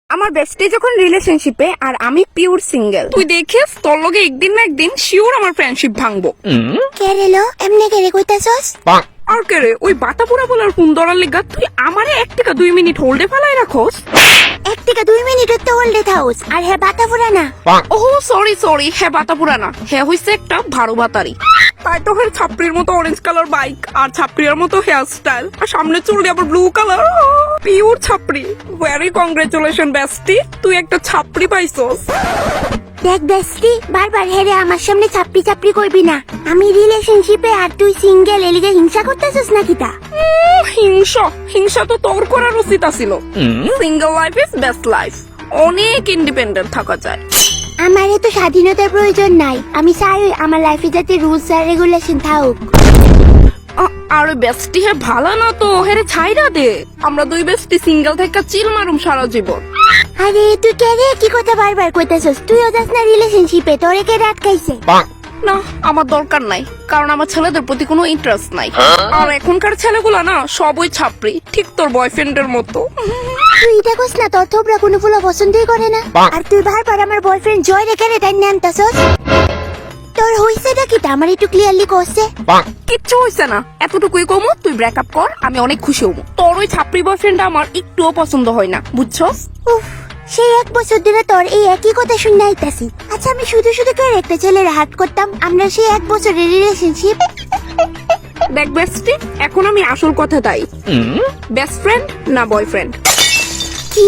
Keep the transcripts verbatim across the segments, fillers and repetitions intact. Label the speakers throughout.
Speaker 1: আমার বেস্টি যখন রিলেশনশিপে আর আমি পিওর সিঙ্গেল, তুই দেখিস তোর লগে একদিন না একদিন শিওর আমার ফ্রেন্ডশিপ ভাঙবো।
Speaker 2: কে রে লো এমনি কে রে কইতাছস?
Speaker 1: আর কে রে ওই বাতাপুরা বলার ফোন ধরার লিগা তুই আমারে এক থেকে দুই মিনিট হোল্ডে ফেলাই রাখোস।
Speaker 2: এক থেকে দুই মিনিটের তো হোল্ডে থাউস আর হ্যাঁ বাতাপুরা না।
Speaker 1: ওহ সরি সরি, হ্যাঁ বাতাপুরা না, হ্যাঁ হইছে একটা ভারো বাতারি। তাই তো হের ছাপড়ির মতো অরেঞ্জ কালার বাইক আর ছাপড়ির মতো হেয়ার স্টাইল আর সামনে চুল আবার ব্লু কালার, পিওর ছাপড়ি। ভেরি কংগ্রেচুলেশন বেস্টি, তুই একটা ছাপড়ি পাইছস।
Speaker 2: দেখ বেস্টি, বারবার হেরে আমার সামনে চাপড়ি চাপড়ি করবি না। আমি রিলেশনশিপে আর তুই সিঙ্গেল, এলিগে হিংসা করতেছস নাকি তা?
Speaker 1: উম, হিংসা হিংসা তো তোর করার উচিত ছিল। Single life is best life, অনেক ইন্ডিপেন্ডেন্ট থাকা যায়।
Speaker 2: আমার এত স্বাধীনতার প্রয়োজন নাই, আমি চাই আমার লাইফে যাতে রুলস আর রেগুলেশন থাকুক।
Speaker 1: আ- আরে বেস্টি হে ভালো না তো হেরে ছাইরা দে, আমরা দুই বেস্টি সিঙ্গেল থেকে চিল মারুম সারা জীবন।
Speaker 2: আরে তুই কে রে কি কথা বারবার কইতাছস? তুইও যাস না রিলেশনশিপে, তোরে কে রাত খাইছে?
Speaker 1: না আমার দরকার নাই, কারণ আমার ছেলেদের প্রতি কোনো ইন্টারেস্ট নাই। আর এখনকার ছেলেগুলা না সবই ছাপড়ি, ঠিক তোর বয়ফ্রেন্ডের মতো।
Speaker 2: তুই এটা কস না, তোর থোবরা কোনো ফুলো পছন্দই করে না। আর তুই বারবার আমার বয়ফ্রেন্ড জয় রেখে রে টাইনে আনতাছস। তোর হইছেটা কি তা আমার একটু ক্লিয়ারলি কইছে?
Speaker 1: কিচ্ছু হইছে না, এতটুকুই কমু তুই ব্রেকআপ কর, আমি অনেক খুশি হবো। তোর ওই ছাপড়ি বয়ফ্রেন্ড আমার একটুও পছন্দ হয় না, বুঝছস?
Speaker 2: উফ, সেই এক বছর ধরে তোর এই একই কথা শুনে আইতাছি। আচ্ছা আমি শুধু শুধু কে একটা ছেলের হাত করতাম, আমরা সেই এক বছরের রিলেশনশিপ।
Speaker 1: দেখ বেস্টি, এখন আমি আসল কথা তাই, বেস্ট ফ্রেন্ড না বয়ফ্রেন্ড?
Speaker 2: কি?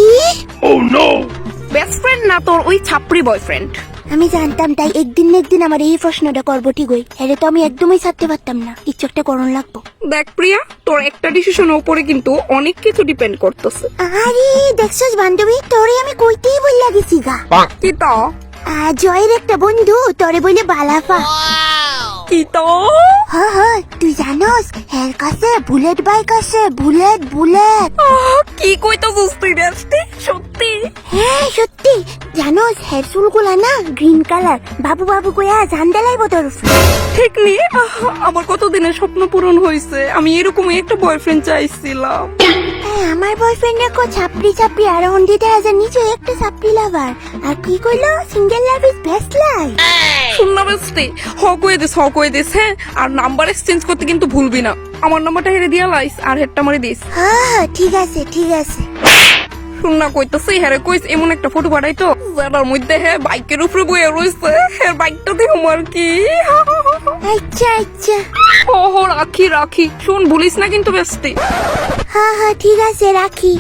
Speaker 1: বেস্ট ফ্রেন্ড না তোর ওই ছাপড়ি বয়ফ্রেন্ড?
Speaker 2: আমি জানতাম তাই একদিন না একদিন আমার এই প্রশ্নটা করবো ঠিকই। এরে তো আমি একদমই ছাড়তে পারতাম না, কিছু একটা করণ লাগবো।
Speaker 1: দেখ প্রিয়া, তোর একটা ডিসিশনের উপরে কিন্তু অনেক কিছু ডিপেন্ড করতেছে।
Speaker 2: আরে দেখছস বান্ধবী, তোরে আমি কইতেই বললা গেছি গা।
Speaker 1: কি তো
Speaker 2: আহ, জয়ের একটা বন্ধু তোরে বলে বালাফা।
Speaker 1: কি তো
Speaker 2: হ হ, তুই জানোস এর কাছে বুলেট বাইক আছে, বুলেট বুলেট।
Speaker 1: আহ, কি কইতাছিস তুই বেস্টি? সত্যি?
Speaker 2: হ্যাঁ সত্যি, জানোস হেয়ার চুলগুলা না গ্রিন কালার, বাবু বাবু কইয়া জান দেলাইব তোর উপরে।
Speaker 1: ঠিক নি, আহ, আমার কতদিনের স্বপ্ন পূরণ হয়েছে, আমি এরকমই একটা বয়ফ্রেন্ড চাইছিলাম।
Speaker 2: হ্যাঁ, আমার বয়ফ্রেন্ডের কো ছাপড়ি ছাপড়ি আর হন্ডি দেয়া যায়, নিচে একটা ছাপড়ি লাভার। আর কি কইলো, single love is best life.
Speaker 1: শুন না বেস্টি, হ কয়ে দিস, হ কয়ে দিস, হ্যাঁ? আর নাম্বার এক্সচেঞ্জ করতে কিন্তু ভুলবি না। আমার নাম্বারটা হেরে দিয়া লাইস আর হেডটা মারি দিস।
Speaker 2: হ্যাঁ ঠিক আছে ঠিক আছে।
Speaker 1: শুন না কইতাছি, হ্যাঁ কইস এমন একটা ফটো পাঠাই তো যার মধ্যে হ্যাঁ বাইকের উপরে বয়ে রয়েছে, হ্যাঁ বাইকটা দিয়ে আমার কি।
Speaker 2: আচ্ছা আচ্ছা,
Speaker 1: ও হো রাখি রাখি, শুন ভুলিস না কিন্তু বেস্টি।
Speaker 2: হ্যাঁ হ্যাঁ ঠিক আছে রাখি।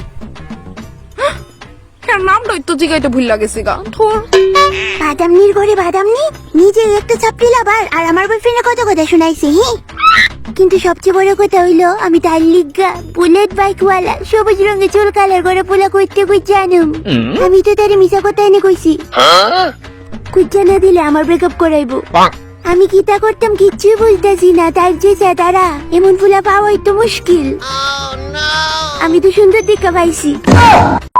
Speaker 1: হ্যাঁ নামটা তো জিগাইতে ভুল লাগেছে গা তোর।
Speaker 2: বাদামনির ঘরে বাদামনি, নিজে একটা ছাপড়ি লাভার আর আমার বয়ফ্রেন্ডের কত কথা শুনাইছে। হ্যাঁ কিন্তু সবচেয়ে বড় কথা হইলো আমি তার লিগা বুলেট বাইক ওয়ালা সবুজ রঙের চুল কালার করে পোলা কইতে কই জানুম। আমি তো তারে মিছা কথা এনে কইছি, কুচ্চা না দিলে আমার ব্রেকআপ করাইবো। আমি কি তা করতাম কিচ্ছুই বুঝতেছি না, তার যে তারা এমন ফুলা পাওয়াই তো মুশকিল। আমি তো সুন্দর দেখা পাইছি।